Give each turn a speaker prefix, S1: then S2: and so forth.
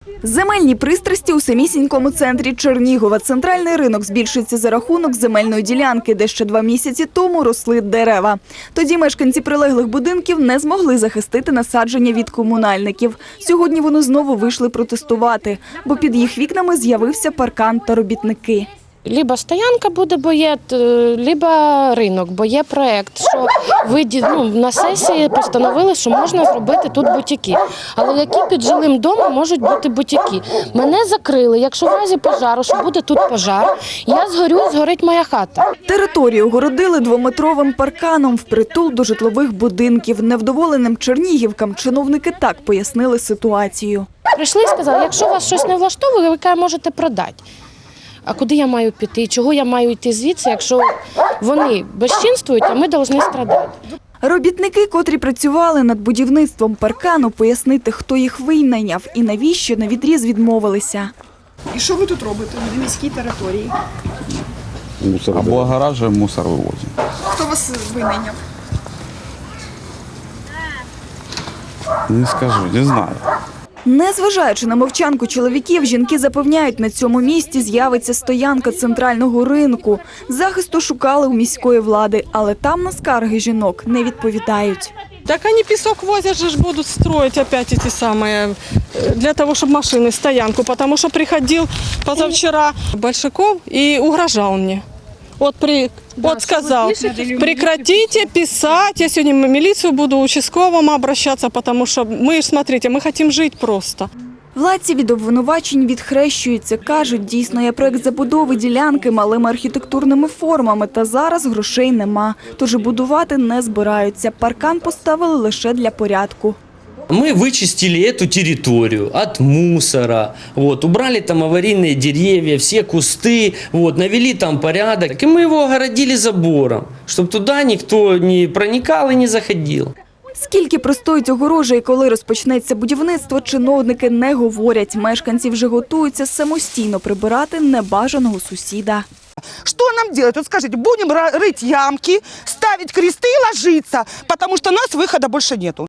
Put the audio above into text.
S1: Земельні пристрасті у самісінькому центрі Чернігова. Центральний ринок збільшується за рахунок земельної ділянки, де ще 2 місяці тому росли дерева. Тоді мешканці прилеглих будинків не змогли захистити насадження від комунальників. Сьогодні вони знову вийшли протестувати, бо під їх вікнами з'явився паркан та робітники.
S2: Либо стоянка буде, бо є, либо ринок, бо є проєкт, що на сесії постановили, що можна зробити тут бутіки. Але які під жилим домом можуть бути бутіки? Мене закрили, якщо в разі пожару, що буде тут пожар, я згорю, згорить моя хата.
S1: Територію огородили 2-метровим парканом впритул до житлових будинків. Невдоволеним чернігівкам чиновники так пояснили ситуацію.
S2: Прийшли і сказали, якщо вас щось не влаштовує, ви можете продати. А куди я маю піти? Чого я маю йти звідси, якщо вони безчинствують, а ми повинні страдати?
S1: Робітники, котрі працювали над будівництвом паркану, пояснити, хто їх винайняв і навіщо на відріз відмовилися.
S3: І що ви тут робите на міській території?
S4: Облагоражуємо, мусор вивозимо.
S3: Хто вас винайняв?
S4: Не скажу, не знаю.
S1: Незважаючи на мовчанку чоловіків, жінки запевняють, на цьому місці з'явиться стоянка центрального ринку. Захисту шукали у міської влади, але там на скарги жінок не відповідають.
S5: Так они песок возят же, будут строить опять эти самые, для того, чтобы машины, стоянку, потому что приходил позавчера Большаков и угрожал мне. Вот сказал, прекратите писать, я сегодня в милицию буду участковым обращаться, потому что мы, смотрите, мы хотим жить просто.
S1: Владці від обвинувачень відхрещуються. Кажуть, дійсно є проект забудови ділянки малими архітектурними формами, та зараз грошей нема. Тож і будувати не збираються. Паркан поставили лише для порядку.
S6: Мы вычистили эту территорию от мусора, убрали там аварийные деревья, все кусты, навели там порядок. И мы его огородили забором, чтобы туда никто не проникал и не заходил.
S1: Скільки простоїть огорожа і коли розпочнеться будівництво, чиновники не говорять. Мешканці вже готуються самостійно прибирати небажаного сусіда.
S7: Что нам делать? Вот скажите, будем рыть ямки, ставить кресты и ложиться, потому что у нас выхода больше нету.